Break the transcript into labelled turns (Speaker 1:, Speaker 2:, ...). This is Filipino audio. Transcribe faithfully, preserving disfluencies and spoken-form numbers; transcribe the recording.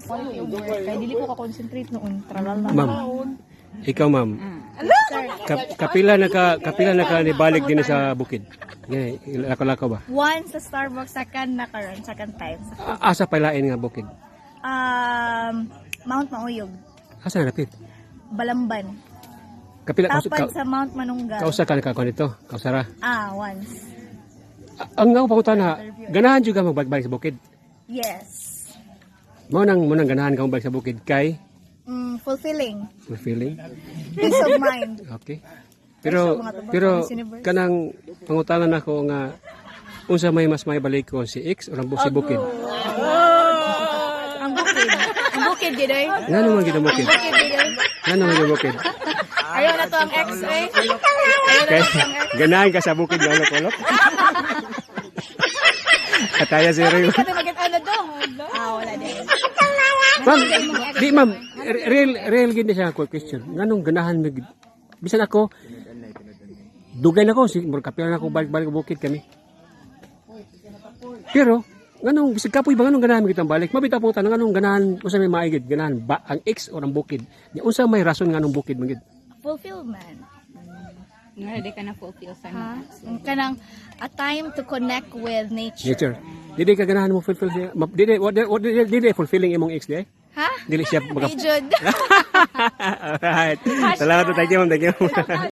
Speaker 1: quality of work. Kaya dili ko ka-concentrate noon. Tralala.
Speaker 2: Ma'am, ikaw ma'am, Ka- kapila na ka kapila na ka nibalik din sa bukid. Gani, lako-lako ba?
Speaker 1: One sa Starbucks, second na karon, second time.
Speaker 2: A- Asa palain nga bukid?
Speaker 1: Um, Mount Mauyog,
Speaker 2: Asa na napit?
Speaker 1: Balamban.
Speaker 2: Kapila ka,
Speaker 1: Tapad
Speaker 2: ka,
Speaker 1: sa Mount Manunggal.
Speaker 2: kausa ka nakakuha nito, kausara.
Speaker 1: Ah, once.
Speaker 2: A- Ang nga pangutan na, ganahan juga magbalik sa bukid.
Speaker 1: Yes.
Speaker 2: Mao nang mo nang ganahan ka magbalik sa bukid kay
Speaker 1: Mm, fulfilling.
Speaker 2: fulfilling.
Speaker 1: Peace of mind.
Speaker 2: Okay. Pero pero kanang pangutanan nako nga unsa may mas may balik ko si X o ang si bukid.
Speaker 1: Ang bukid. Ang bukid, gidoy.
Speaker 2: Ngano man gid ang bukid?
Speaker 1: Bukid, gidoy.
Speaker 2: Ngano man yung bukid?
Speaker 1: Ayaw na to ang X-ray. Ayaw na
Speaker 2: Kay
Speaker 1: to ang X.
Speaker 2: ganahan ka sa bukid nga ulok-ulok. Kataya si Rio.
Speaker 1: Kada magit-ano do. Ah, wala din.
Speaker 2: Ma'am, di ma'am, real real gid siya ako question. Nganong ganahan mig bisan ako dugay na ko si mur kapila na ako balik-balik sa bukid kami. Pero nganong bisag kapoy ba nganong ganahan mig kitang balik? Mabita po tanong nganong ganahan unsa may maigid ganahan ba ang X o ang bukid? Nya unsa may rason nganong bukid magid?
Speaker 1: Fulfillment.
Speaker 3: Nga, di ka na fulfill sa
Speaker 1: Ha? Ang kanang a time to connect with nature.
Speaker 2: Nature. Dili ka ganahan mo fulfill siya. Ma- Dili what what dili dili fulfilling imong X di?
Speaker 1: Ha?
Speaker 2: Dili siya
Speaker 1: Hey,
Speaker 2: maga.
Speaker 1: Jude.
Speaker 2: Alright. Salamat, thank you, ma'am, thank you.